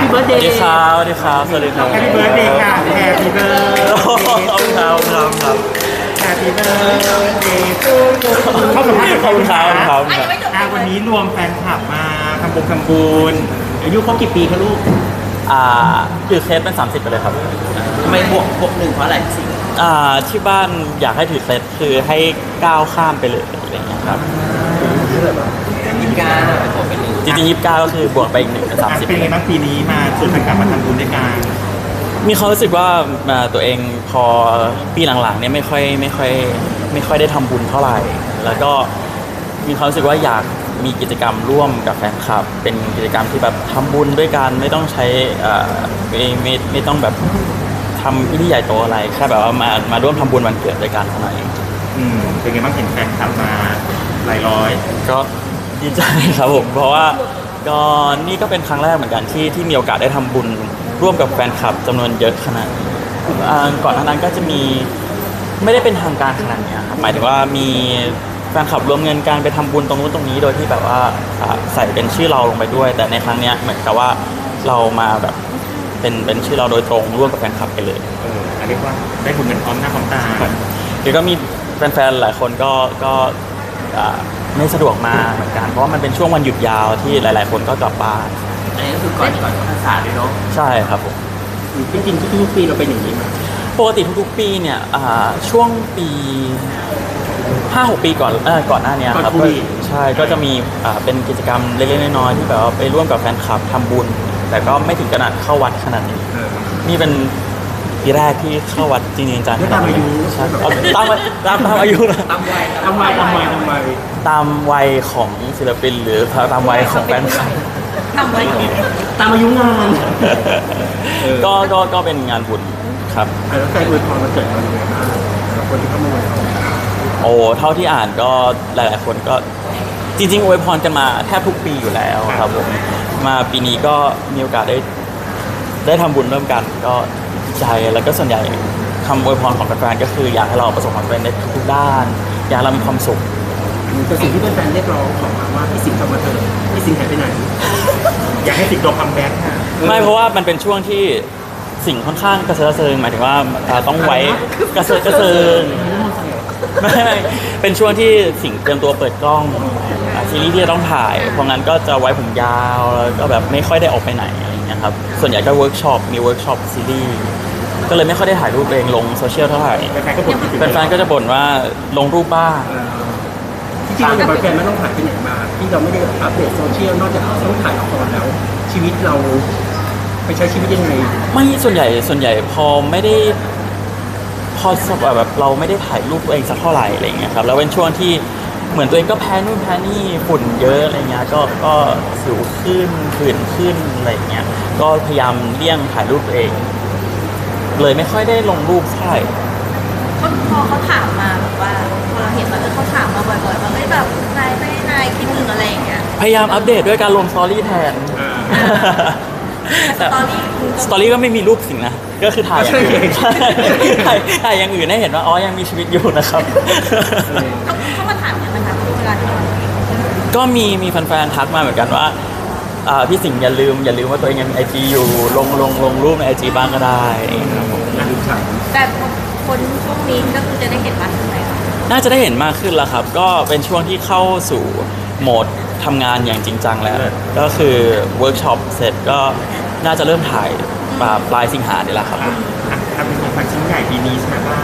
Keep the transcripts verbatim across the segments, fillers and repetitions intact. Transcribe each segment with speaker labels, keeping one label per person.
Speaker 1: ปี้เบิร์ด
Speaker 2: ส
Speaker 1: เด
Speaker 2: วัส
Speaker 1: ย์
Speaker 2: ดีครับสวัสดีครับสวัสดีครับ
Speaker 1: แฮปปี้เบิร์ดเดย์ค่ะแฮปปี้เบิร์ด
Speaker 2: ขอบคุณครับครับครับ
Speaker 1: แฮปปี้เบิร์ดเดย์ทูยูเข้าสัมภาษณ์กับ
Speaker 2: ขอบคุณครับครับ
Speaker 1: อ่าวันนี้รวมแฟนคลับมาทำบุญทำบุญอายุเขากี่ปีคะลูก
Speaker 2: อ่าถือเคสเป็นสามสิบไปเลยครับ
Speaker 3: ทำไมบวกบวกหนึ่งเพราะอะไรสิ
Speaker 2: อ่าที่บ้านอยากให้ถือเคสคือให้ก้าวข้ามไปเลยอะไรอย่างเงี้ยครับ
Speaker 3: ยิงกาเนี่ยบวกเป็นหนึ่ง
Speaker 2: จริงๆยี่สิบเก้าก็คือบวกไปอีกหนึ่งเป็นสาม
Speaker 1: อ่ะ
Speaker 2: สิบ
Speaker 1: เป็นไงบ้างปีนี้มาชวนแฟนคลับมาทำบุญด้วยกัน
Speaker 2: มีความรู้สึกว่าอ่าตัวเองพอปีหลังๆเนี่ยไม่ค่อยไม่ค่อยไม่ค่อยได้ทำบุญเท่าไหร่ แล้วก็มีความรู้สึกว่าอยากมีกิจกรรมร่วมกับแฟนคลับ เป็นกิจกรรมที่แบบทำบุญด้วยกันไม่ต้องใช้อ่าไม่ไม่ไม่ต้องแบบทำพิธีใหญ่โตอะไรแค่แบบว่ามามาร่วมทำบุญวันเกิดด้วยกันเท่านั้นเอง
Speaker 1: อืมเป็นไงบ้างเห็นแฟนคลับมาหลายร้อย
Speaker 2: ก็ดีใจครับผมเพราะว่าก็นี่ก็เป็นครั้งแรกเหมือนกันที่ที่มีโอกาสได้ทำบุญร่วมกับแฟนคลับจำนวนเยอะขนาดนี้อ่าก่อนหน้านั้นก็จะมีไม่ได้เป็นทางการขนาดเนี้ยครับหมายถึงว่ามีแฟนคลับรวมเงินการไปทำบุญตรงนู้นตรงนี้โดยที่แบบว่าอ่าใส่เป็นชื่อเราลงไปด้วย แต่ในครั้งเนี้ยเหมือนกับว่าเรามาแบบเป็นเป็นชื่อเราโดยตรงร่วมกับแฟนคลับไปเลย
Speaker 1: เออเรียกว่าได้บุญกันพร้อมหน้าพร้อมตา
Speaker 2: เดี๋ยวก็มีแฟนๆหลายคนก็ก็อ่าไม่สะดวกมาเหมือนกันเพราะว่ามันเป็นช่วงวันหยุดยาวที่หลาย ๆ คนก็กลับบ้าน
Speaker 3: อันนี้ก็คือก่อนก่อนเข้าพรรษาด้วยเนาะ
Speaker 2: ใช่ครับผม
Speaker 1: จริงๆทุกๆปีเราเป็นอย่างนี้มา
Speaker 2: ปกติทุกๆปีเนี่ยอ่าช่วงปีห้าหกปีก่อนเออก่อนหน้านี้ครับก็ใช่ก็จะมีอ่าเป็นกิจกรรมเล็กๆน้อยๆที่แบบว่าไปร่วมกับแฟนคลับทำบุญ แต่ก็ไม่ถึงขนาดเข้าวัดขนาดนี้
Speaker 1: เออ
Speaker 2: นี่เป็นปีแรกที่เข้าวัดจริงๆจังๆ
Speaker 1: ไม่ตามอายุ
Speaker 2: ใช่เอาตามตามตามอายุนะ
Speaker 3: ตามวัย
Speaker 1: ทำไมทำไมทำไม
Speaker 2: ตามวัยของศิลปินหรือตามวัยของแฟนคลับ
Speaker 3: ทำไว้
Speaker 1: ตามอายุงาน
Speaker 2: ก็ก็ก็เป็นงานบุญครับ
Speaker 1: แล้วใครอวยพรมาเกิดเราอย่างไรบ้างสำหรับคนที่เข้ามาอวยพร
Speaker 2: โอ้เท่าที่อ่านก็หลาย ๆ คนก็จริงๆอวยพรกันมาแทบทุกปีอยู่แล้วครับผมมาปีนี้ก็มีโอกาสได้ได้ทำบุญร่วมกันก็ดีใจแล้วก็ส่วนใหญ่คำอวยพรของแฟนๆก็คืออยากให้เราประสบความสำเร็จในทุกๆด้าน อยากให้เรามีความสุข
Speaker 1: แต่สิ่งที่แฟนๆเรียกร้องขอมาว่าพี่สิงห์กลับมาเถอะพี่สิงห์หายไปไหน อยากให้สิงห์โดนคัมแบ็กค่ะ
Speaker 2: ไม่เพราะว่ามันเป็นช่วงที่สิ่งค่อนข้างกระเซิร์กระเซิงหมายถึงว่าอ่าต้องไว้กระเซิร์กระเซิงไม่ไม่เป็นช่วงที่สิ่งเตรียมตัวเปิดกล้องอ่าซีรีส์ที่จะต้องถ่ายเพราะงั้นก็จะไว้ผมยาวแล้วก็แบบไม่ค่อยได้ออกไปไหนอะไรอย่างเงี้ยครับส่วนใหญ่ก็เวิร์กช็อปมีเวิร์กช็อปซีรีส์ก็เลยไม่ค่อยได้ถ่ายรูปเองลงโซเชียลเท่าไหร่
Speaker 1: แฟนๆก็บ่นคิดถึง
Speaker 2: แฟนๆก็จะบ่นว่าลงรูปบ้าง
Speaker 1: ที่จริงๆเราอย่างแฟนไม่ต้องถ่ายไปไหนมา ที่เราไม่ได้อัปเดตโซเชียลนอกจากต้องถ่ายละครแล้ว ชีวิตเราไปใช้ชีวิตยังไง
Speaker 2: ไม่ส่วนใหญ่ส่วนใหญ่พอไม่ได้พอแบบเราไม่ได้ถ่ายรูปตัวเองสักเท่าไหร่อะไรอย่างเงี้ยครับแล้วเป็นช่วงที่เหมือนตัวเองก็แพ้นู่นแพ้นี่ฝุ่นเยอะอะไรเงี้ยก็ก็สิวขึ้นผื่นขึ้นอะไรอย่างเงี้ยก็พยายามเลี่ยงถ่ายรูปตัวเอง เลยไม่ค่อยได้ลงรูปเท่าไหร่
Speaker 4: ก็พอเขาถามมาแบบว่าพอเราเห็นว่าเออเขาถามมาบ่อยๆว่าไม่แบบนายไม่นายคิดถึงอะไรอย่างเงี้ย
Speaker 2: พยายามอัปเดตด้วยการลงสตอรี่แทน
Speaker 4: สตอรี่คือ
Speaker 2: สตอรี่ก็ไม่มีรูปสิ่งนะ ก็คือถ่ายอย่างอื่นถ่ายถ่ายอย่างอื่นให้เห็นว่าอ๋อยังมีชีวิตอยู่นะครับ
Speaker 4: เขาเขามาถามอย่างนะคะเวลาที่เรา
Speaker 2: ก็มีมีแฟนๆทักมาเหมือนกันว่าอ่าพี่สิงห์อย่าลืมอย่าลืมว่าตัวเองยังมีไอจีอยู่ลงลงลงรูปในไอจีบ้างก็ได้ครับผม
Speaker 1: นะดูฉัน
Speaker 4: แต่คนช่วงนี้ก็คือจะได้เห็นมากขึ้นไหมคะ
Speaker 2: น่าจะได้เห็นมากขึ้นแล้วครับ ก็เป็นช่วงที่เข้าสู่โหมดทำงานอย่างจริงจังแล้ว ก็คือเวิร์กช็อปเสร็จก็น่าจะเริ่มถ่ายปลายปลายสิงหาเนี่ยแหละครับ
Speaker 1: อ่ะอ่ะทำเป็นของขวัญชิ้นใหญ่ปีนี้ใช่ไหมบ้าง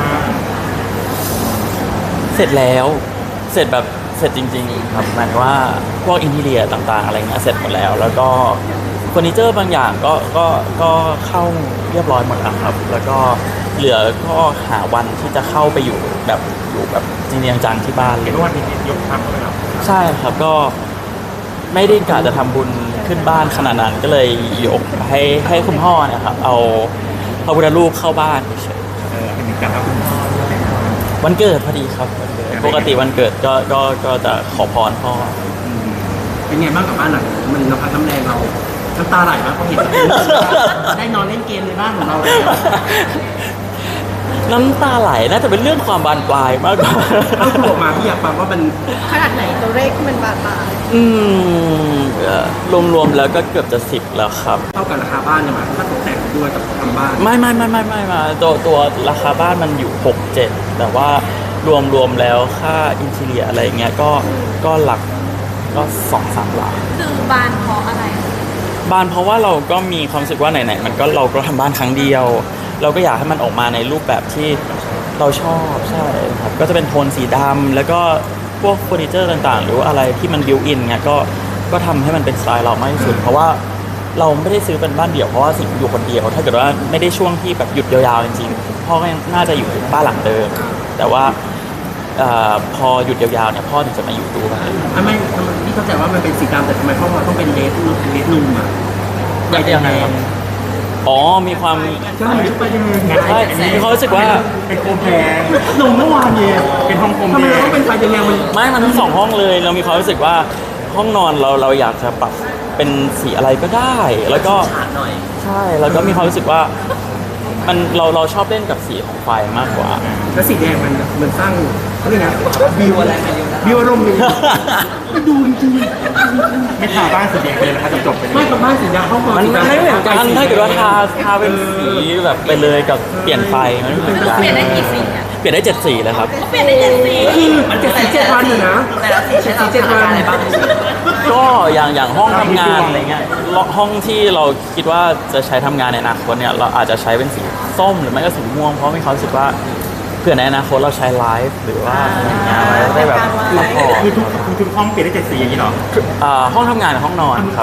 Speaker 2: เสร็จแล้วเสร็จแบบเสร็จจริงๆครับหมายถึงว่าพวกอินทีเรียต่างๆอะไรเงี้ยเสร็จหมดแล้ว แล้วก็เฟอร์นิเจอร์บางอย่างก็ก็ก็เข้าเรียบร้อยหมดแล้วครับ แล้วก็เหลือก็หาวันที่จะเข้าไปอยู่แบบอยู่แบบจริงๆจังๆที่บ้านเล
Speaker 1: เห็น
Speaker 2: ย
Speaker 1: ว่าวันนี้ยกทัพเข้าไปแล้ว
Speaker 2: ใช่ครับก็ไม่ได้กะจะทำบุญขึ้นบ้านขนาดนั้นก็เลยยกให้ให้คุณพ่อเนะครับเอาพระพุทธรูปเข้าบ้านเฉย
Speaker 1: เออเป็นการเอาคุณพ่อด้วยนะ
Speaker 2: ๆวันเกิดพอดีครับวันเกิดปกติวันเกิดก็ก็ก็จะขอพรพ่อ
Speaker 1: อืมเป็นไงบ้างกับบ้านหลังนี้มันน้ำพักน้ำแรงเราน้ำตาไหลมากพอเห็นได้นอนเล่นเกมในบ้านของเราแล้ว
Speaker 2: น้ำตาไหลน่าจะเป็นเรื่องความบานปลายมากกว่า
Speaker 1: ถ้าพูดออกมาพี่อยากฟังว่ามัน
Speaker 4: ขนาดไหนตัวเลขที่มันบาดบาด
Speaker 2: อืมเอ่อรวมๆแล้วก็เกือบจะสิบแล้วครับ
Speaker 1: เท่ากับราคาบ้านเนี่ยมั้ยถ้าตกแต่งด้วยกับทำบ้าน
Speaker 2: ไม่ไม่ไม่ไม่ไม่มาตัวตัวราคาบ้านมันอยู่หกเจ็ดแต่ว่ารวมรวมแล้วค่าอินทีเรียอะไรเงี้ยก็ก็หลักก็สองสามหลัก
Speaker 4: คือบานเพราะอะไร
Speaker 2: บ้านเพราะว่าเราก็มีความรู้สึกว่าไหนๆมันก็เราก็ทำบ้านครั้งเดียว เราก็อยากให้มันออกมาในรูปแบบที่เราชอบใช่ครับก็จะเป็นโทนสีดำแล้วก็พวกเฟอร์นิเจอร์ต่างๆ หรือว่าอะไรที่มันบิวอินเงี้ยก็ก็ทำให้มันเป็นสไตล์เรามากที่สุด เพราะว่าเราไม่ได้ซื้อเป็นบ้านเดี่ยวเพราะว่าสิ่งอยู่คนเดียว ถ้าเกิดว่าไม่ได้ช่วงที่แบบหยุดยาวๆจริงๆพ่อก็ยังน่าจะอยู่บ้านหลังเดิมแต่ว่าเอ่อพอหยุดยาวๆเนี่ยพ่อถึงจะมาอยู่ด้วย
Speaker 1: ทำไมทำไมพี่เข้าใจว่ามันเป็นสีดำแต่ทำไมพ่อมาต้องเป็นเลดเลดนุ่มอ่ะ
Speaker 2: ยังไงครับอ๋อมีความ
Speaker 1: ใช่ไปยังไง
Speaker 2: ใช่มีความรู้สึกว่า
Speaker 1: เป็นโคมแพงหนุ่มเมื่อวานเนี่ยเป็นห้องโคมแพงทำไมต้องเป็นไฟแดงมัน
Speaker 2: ไม่มันทั้งสองห้องเลย เรามีความรู้สึกว่าห้องนอนเราเราอยากจะปรับเป็นสีอะไรก็ได้ แล้วก็
Speaker 3: ฉาดหน่อย
Speaker 2: ใช่แล้วก็มีความรู้สึกว่ามันเราเราชอบเล่นกับสีของไฟมากกว่า
Speaker 1: แล้วสีแดงมันมันสร้างเขาเรียกไง
Speaker 3: บิวอะไรมาเยอะนะ
Speaker 1: บิวอารมณ์ดีดูจริง
Speaker 5: ไม่ทาบ้านสีแดงเลยนะครับจบๆไป
Speaker 1: ๆไม่กับบ้านสีดำห้องนอน
Speaker 2: มัน
Speaker 1: สี
Speaker 2: มัน
Speaker 1: ดำ
Speaker 2: ไม่เหมือนกันถ้าเกิดว่าทาทาเป็นสีแบบไปเลยกับเปลี่ยนไฟมันไม่เหมือนกัน
Speaker 4: เปลี่ยนได้กี่สีอ่ะ
Speaker 2: เปลี่ยนได้เจ็ดสีเลยครับ
Speaker 4: เปลี่ยนได้เจ็ดสี
Speaker 1: คือมันเจ็ดสีเจ็ดวันอยู่นะ
Speaker 3: แต่ละสีใช้เราทำอะไรบ้าง
Speaker 2: ก็อย่างอย่างห้องทำงานอะไรเงี้ยห้องที่เราคิดว่าจะใช้ทำงานในอนาคตเนี่ยเราอาจจะใช้เป็นสีส้มหรือไม่ก็สีม่วงเพราะมีความรู้สึกว่าเผื่อในอนาคตเราใช้ไลฟ์หรือว่าอะไรอย่างเงี้ยไว้ได้แบบซัพพอร์ต
Speaker 5: คือทุกคือทุกห้องเปลี่ยนได้เจ็ดสีอย่างนี้เหรอ
Speaker 2: อ่าห้องทำงานกับห้องนอนครับ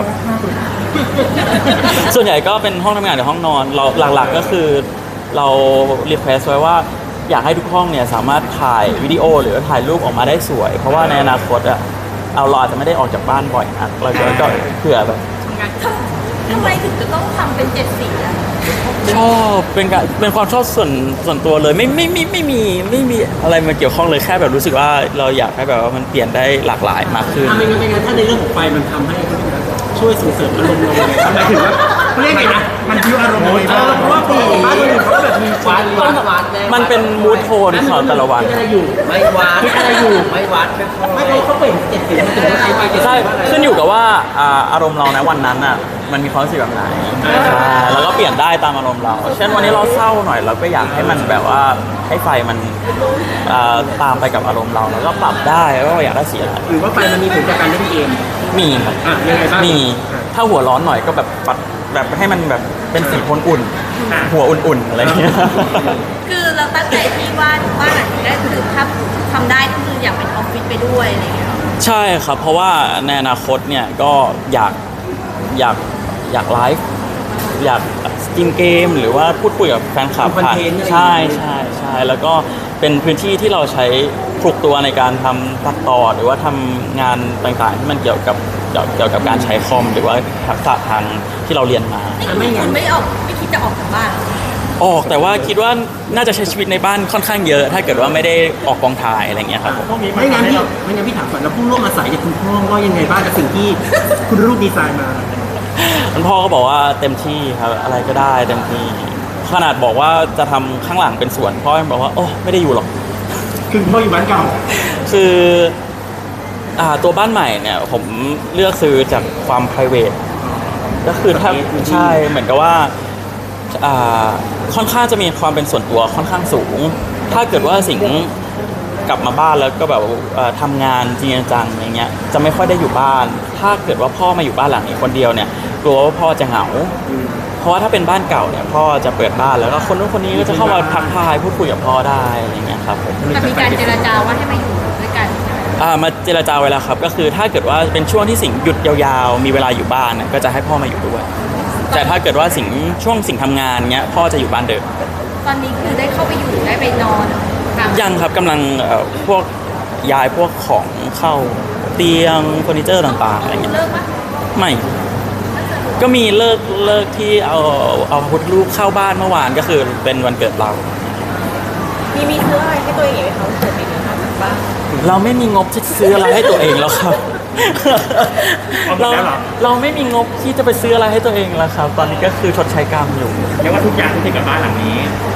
Speaker 2: ส่วนใหญ่ก็เป็นห้องทำงานกับห้องนอนเราหลักๆก็คือเรารีเควสไว้ว่าอยากให้ทุกห้องเนี่ยสามารถถ่ายวิดีโอหรือถ่ายรูปออกมาได้สวย เพราะว่าในอนาคตอะเอาเราอาจจะไม่ได้ออกจากบ้านบ่อยนักเราก็ก็เผื่อแบบ
Speaker 4: ทำไมถึงจะต้องทำเป็นเจ็ดสีอ่ะ
Speaker 2: ชอบเป็นการเป็นความชอบส่วนส่วนตัวเลยไม่ไม่ไม่ไม่มีไม่มีอะไรมาเกี่ยวข้องเลยแค่แบบรู้สึกว่าเราอยากให้แบบว่ามันเปลี่ยนได้หลากหลายมากขึ้น
Speaker 1: อ่ะไม่งั้นไม่งั้นถ้าในเรื่องของไฟมันทำให้ช่วยส่งเสริมอารมณ์เราเลยทำไมถึงว่าเขาเรียกไงนะ
Speaker 5: มันบิวอารมณ์เลย
Speaker 1: เออเพราะว่าปกติบ้านคนอื่นเขาก็แบบมีไฟ
Speaker 3: วัดวัดวัดแ
Speaker 2: มันเป็นมูทโทนของแต่ละวัน
Speaker 1: คิดอะไรอยู่
Speaker 3: ไม่วัด
Speaker 1: คิดอะไรอยู่
Speaker 3: ไม่วัดไม่พอ
Speaker 1: ไม่เขาเขาเปลี่ยนเจ็ดสีมันถึงว่าใช้ไฟเจ็ดสี
Speaker 2: ใช่
Speaker 1: ว่าอะไร
Speaker 2: ขึ้นอยู่กับว่าอ่าอารมณ์เราในวันนั้นอ่ะมันมีความรู้สึกแบบไหนใช่แล้วก็เปลี่ยนได้ตามอารมณ์เรา เช่นวันนี้เราเศร้าหน่อยเราก็อยากให้มันแบบว่าให้ไฟมันอ่าตามไปกับอารมณ์เราแล้วก็ปรับได้ว่าเราอยากได้สีอะไร
Speaker 1: หรือว่าไฟมันมีผลต่อการเล่นเกม
Speaker 2: มีครับ
Speaker 1: อ่ะยังไงบ้าง
Speaker 2: มีถ้าหัวร้อนหน่อยก็แบบปัดแบบให้มันแบบเป็นสีโทนอุ่น หัวอุ่นๆอะไรอย่างเงี้ย
Speaker 4: คือเราตั้งใจที่ว่าบ้านหลังนี้ได้คือถ้าทำได้ก็คืออยากเป็นออฟฟิศไปด้วยอะไรอย่างเงี้ย
Speaker 2: ใช่ครับ เพราะว่าในอนาคตเนี่ยก็อยากอยากอยากไลฟ์อยากสตรีมเกมหรือว่าพูดคุยกับแฟนคลับผ่านใช่ใช่ใช่แล้วก็เป็นพื้นที่ที่เราใช้คลุกตัวในการทำตัดต่อหรือว่าทำงานต่างๆที่มันเกี่ยวกับเกี่ยวเกี่ยวกับการใช้คอม หรือว่าทักษะทางที่เราเรียนมา
Speaker 4: ไม่งั้นไม่ออกไม่คิดจะออกจากบ้านเหรอ
Speaker 2: ออกแต่ว่าคิดว่าน่าจะใช้ชีวิตในบ้านค่อนข้างเยอะ ถ้าเกิดว่าไม่ได้ออกกองถ่ายอะไรเงี้ยครับผม
Speaker 5: พวกนี้มัน
Speaker 1: ไม่งั้น
Speaker 5: ทำให้
Speaker 1: พี่
Speaker 5: เรา
Speaker 1: ไม่งั้นพี่ถามก่อนแล้วผู้ร่วมอาศัยจากคุณพ่อว่ายังไงบ้างกับสิ่งที่คุณรูปดีไซน์มา
Speaker 2: คุณพ่อก็บอกว่าเต็มที่ครับอะไรก็ได้เต็มที่ขนาดบอกว่าจะทำข้างหลังเป็นสวนพ่อยังบอกว่าโอ้ไม่ได้อยู่หรอก
Speaker 1: คือพ่ออยู่บ้านเก่า
Speaker 2: คืออ่าตัวบ้านใหม่เนี่ยผมเลือกซื้อจากความ p r i v a t ก็คือถ้าใช่เหมือนกับว่าอ่าค่อนข้างจะมีความเป็นส่วนตัวค่อนข้างสูง ถ้าเกิดว่าสิงห์กลับมาบ้านแล้วก็แบบเอ่อทำงานจริงจังอย่างเงี้ยจะไม่ค่อยได้อยู่บ้าน ถ้าเกิดว่าพ่อมาอยู่บ้านหลังนี้คนเดียวเนี่ยกลัวว่าพ่อจะเหงา เพราะว่าถ้าเป็นบ้านเก่าเนี่ยพ่อจะเปิดบ้านแล้วก็คนนู้นคนนี้ก็จะเข้ามาทักทายพูดคุยกับพ่อได้อะไรเงี้ยครับผม
Speaker 4: แต่มีการเจรจาว่าให้มาอยู่ด้วยกันใช่ไหม
Speaker 2: อ่ามาเจรจาไว้แล้วครับก็คือถ้าเกิดว่าเป็นช่วงที่สิงห์หยุดยาวๆ มีเวลาอยู่บ้านเนี่ยก็จะให้พ่อมาอยู่ด้วย แต่ถ้าเกิดว่าสิงห์ช่วงสิงห์ทำงานเงี้ยพ่อจะอยู่บ้านเดิม
Speaker 4: ตอนนี้คือได้เข้าไปอยู่ได้ไปนอนตาม
Speaker 2: ยังครับกำลังเอ่อพวกย้ายพวกของเข้าเตียงเฟอร์นิเจอร์ต่างๆอะไรเงี้ย
Speaker 4: เลิกปะ
Speaker 2: ไม่ก็มีเลิกเลิกที่เอาเอาพุทธรูปเข้าบ้านเมื่อวานก็คือเป็นวันเกิดเรา
Speaker 6: มีมีซื้ออะไรให้ตัวเองไหมคะเกิดปีนี้นอกจากบ้าน
Speaker 2: เราไม่มีงบที่จะซื้ออะไรให้ตัวเองแล้วครับ เราเราไม่มีงบที่จะไปซื้ออะไรให้ตัวเองแล้วครับ ตอนนี้ก็คือชดใช้กรรมอยู่
Speaker 5: เรียกว่าทุกอย่างที่เกี่ยวกับบ้านหลังนี้
Speaker 2: ก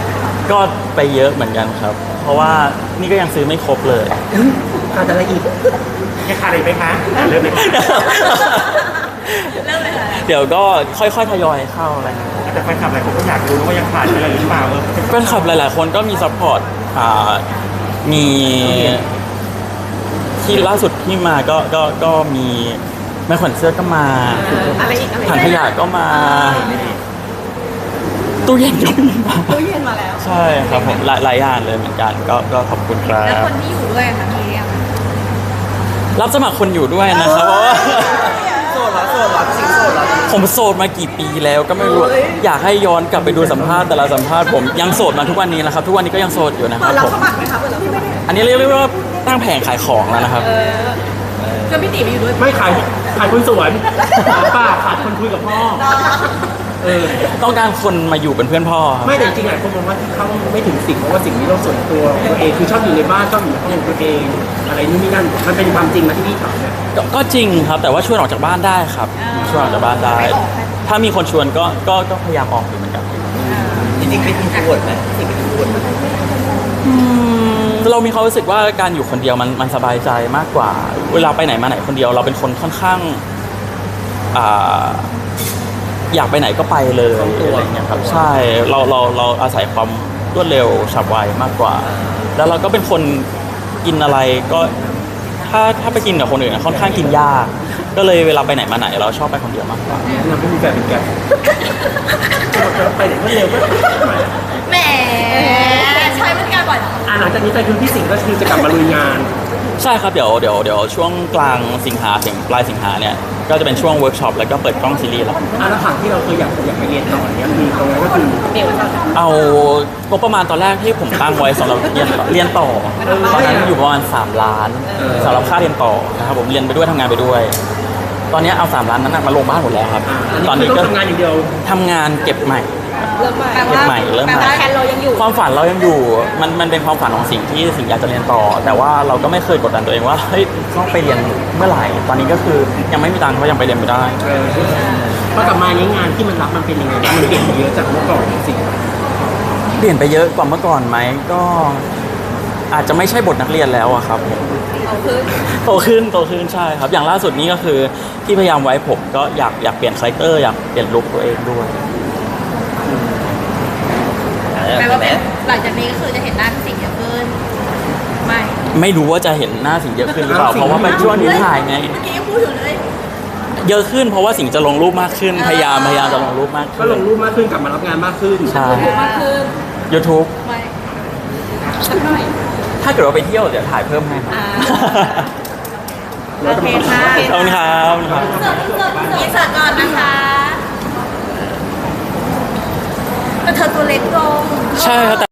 Speaker 2: ก็ไปเยอะเหมือนกันครับ เพราะว่านี่ก็ยังซื้อไม่ครบเลย
Speaker 1: ขาดอะไรอีก
Speaker 5: ยังขาดอีกไหมคะอ่ะเริ่มเลยค่ะ
Speaker 4: เริ่มเลยค่ะ
Speaker 2: เดี๋ยวก็ค่อยๆทยอยเข้าอะไรเงี้ย
Speaker 5: แต่แฟนคลับหลายคนก็อยากรู้นะว่ายังขาดอะไรหรือเปล่าเออ
Speaker 2: แฟนคลับหลายๆ คนก็มีซัพพอร์ตอ่ามีที่ล่าสุดที่มาก็ก็ก็มีแม่ขวัญเสื้อก็มา
Speaker 6: อะไรอีกอะไร
Speaker 2: ถัง
Speaker 6: อีก
Speaker 2: ขยะก็มาตู้เย็นก็มีมา
Speaker 6: ตู้เย็นมาแล้ว
Speaker 2: ใช่ครับผมหลายหลายอย่างเลยเหมือนกันก็ก็ขอบคุณครั
Speaker 4: แล้ว
Speaker 2: บ
Speaker 4: คนที่อยู่ด้วยค่ะมีเรียง
Speaker 2: รับสมัครคนอยู่ด้วยนะครับเพราะว่า
Speaker 3: โสดเหรอโสดเหรอสิงโสดเหรอ
Speaker 2: ผมโสดมากี่ปีแล้วก็ไม่รู้อยากให้ย้อนกลับไปดูสัมภาษณ์แต่ละสัมภาษณ์ผมยังโสดมาทุกวันนี้นะครับทุกวันนี้ก็ยังโสดอยู่นะค
Speaker 6: เปิ
Speaker 2: รับ
Speaker 6: ดรับ
Speaker 2: ผม
Speaker 6: สมัครไหมคะเปิดรับสมัคร
Speaker 2: อันนี้เรียกได้ว่าตั้งแผงขายของแล้วนะครับ
Speaker 6: ก็พี่ตีไปอยู่ด้วย
Speaker 1: ไม่ขายขายคนสวนป้าขาดคนคุยกับพ่อเออ
Speaker 2: ต้องการคนมาอยู่เป็นเพื่อนพ่อครับ
Speaker 1: ไม่แต่จริงๆหลายคนมองว่าที่เขาไม่ถึงสิ่งเพราะว่าสิ่งนี้เราส่วนตัวตัวเองคือชอบอยู่ในบ้านชอบอยู่ในห้องของตัวเองอะไรนู่นนี่นั่นมันเป็นความจริงมาที่พี่ถามเนี่ย
Speaker 2: ก็ก็จริงครับ แต่ว่าชวนออกจากบ้านได้ครับชวนออกจากบ้านได้ ถ้ามีคนชวนก็ก็ก็พยายามออกอยู่เหมือนกัน
Speaker 3: จริงๆเป็นอินโทรเวิร์ดไหมสิ่งเป็นอินโทรเวิร์ดไหม
Speaker 2: อืมเรามีความรู้สึกว่าการอยู่คนเดียวมันมันสบายใจมากกว่า เวลาไปไหนมาไหนคนเดียว เราเป็นคนค่อนข้างอ่าอยากไปไหนก็ไปเลยอะไรเงี้ยครับใช่เราเราเราอาศัยความรวดเร็วฉับไวมากกว่า แล้วเราก็เป็นคนกินอะไรก็ถ้าถ้าไปกินกับคนอื่นอะค่อนข้างกินยากก็เลยเวลาไปไหนมาไหนเราชอบไปคนเดียวมากกว่า
Speaker 1: เราไม่มีแฟนเป็นแกไปไหนก็เร็วก็
Speaker 4: แหมใช้บริการบ่อยเหรอ
Speaker 1: อ่าหลังจากนี้ไปคือพี่สิงห์ก็คือจะกลับมาลุยงาน
Speaker 2: ใช่ครับเดี๋ยวเดี๋ยวเดี๋ยวช่วงกลางสิงหาถึงปลายสิงหาเนี่ยก็จะเป็นช่วงเวิร์กช็อปแล้วก็เปิดกล้องซีรีส์แล้ว
Speaker 1: อ่าแล้วผังที่เราเคยอยากอยากไปเรียนต่อเนี่ยคือตรงนั้นก็คือ
Speaker 2: เอางบประมาณตอนแรกที่ผมตั้งไว้สำหรับเรียนเรียนต่อตอนนั้นอยู่ประมาณสามล้านสำหรับค่าเรียนต่อนะครับผมเรียนไปด้วยทำงานไปด้วย ตอนนี้เอาสามล้านนั้นนะมาลงบ้านหมดแล้วครับ
Speaker 1: อ่า
Speaker 2: ตอนนี้
Speaker 1: คื
Speaker 2: ก็
Speaker 1: ต้องทำงานอย่างเดียว
Speaker 2: ทำงานเก็บใหม่
Speaker 6: เริ่มใหม่
Speaker 4: แปล
Speaker 2: เก็บ
Speaker 4: ว่า
Speaker 2: ใหม่เริ่ม
Speaker 4: แปล
Speaker 2: ใหม่
Speaker 4: ว่า
Speaker 6: แทนเรายังอยู่
Speaker 2: ความฝันเรายังอยู่มันมันเป็นความฝันของสิ่งที่สิ่งอยากจะเรียนต่อ แต่ว่าเราก็ไม่เคยกดดันตัวเองว่าเฮ้ยต้องไปเรียนเมื่อไหร่ตอนนี้ก็คือยังไม่มีตังค์ก็ยังไปเรียนไม่ได้
Speaker 1: เออพอกลับมานี้งานที่มันรับมันเป็นยังไงบ้างมันเปลี่ยนไปเยอะจากเมื่อก่อนสิ
Speaker 2: เปลี่ยนไปเยอะกว่าเมื่อก่อนไหมก็อาจจะไม่ใช่บทนักเรียนแล้วอะครับผม
Speaker 6: เอาคืน
Speaker 2: โตขึ้นโตขึ้นใช่ครับ อย่างล่าสุดนี้ก็คือที่พยายามไว้ผมก็อยากอยากเปลี่ยนคาแรคเตอร์อยากเปลี่ยนลุคตัวเองด้วย
Speaker 4: แปลว่าเป็นหลังจากนี้ก็คือจะเห็นหน้าพี่สิงห์เยอะขึ้นไม่
Speaker 2: ไม่รู้ว่าจะเห็นหน้าสิงห์เยอะขึ้นหรือเปล่าเพราะว่าเป็นช่วงที่ถ่ายไง
Speaker 4: เมื่อกี้ยังพูดอยู่เลย
Speaker 2: เยอะขึ้นเพราะว่าสิงห์จะลงรูปมากขึ้น พยายามพยายามจะลงรูปมาก
Speaker 1: ก็
Speaker 2: ขึ้น
Speaker 1: ลงรูปมากขึ้นกลับมารับงานมากขึ้น
Speaker 2: ใช่
Speaker 6: มากขึ้น
Speaker 2: YouTube
Speaker 4: ไม่
Speaker 6: สักหน่อย
Speaker 2: ถ้าเกิดว่าไปเที่ยวเดี๋ยวถ่ายเพิ่มให้ครับ
Speaker 6: อ่า
Speaker 4: โอเคค่ะ
Speaker 2: ขอบคุณครับขอบคุณครับ
Speaker 4: เสิร์ฟเสิร์ฟเสิร์ฟเสิร์ฟก่อนนะคะแต่เธอตัวเล็กลง
Speaker 2: ใช่ครับ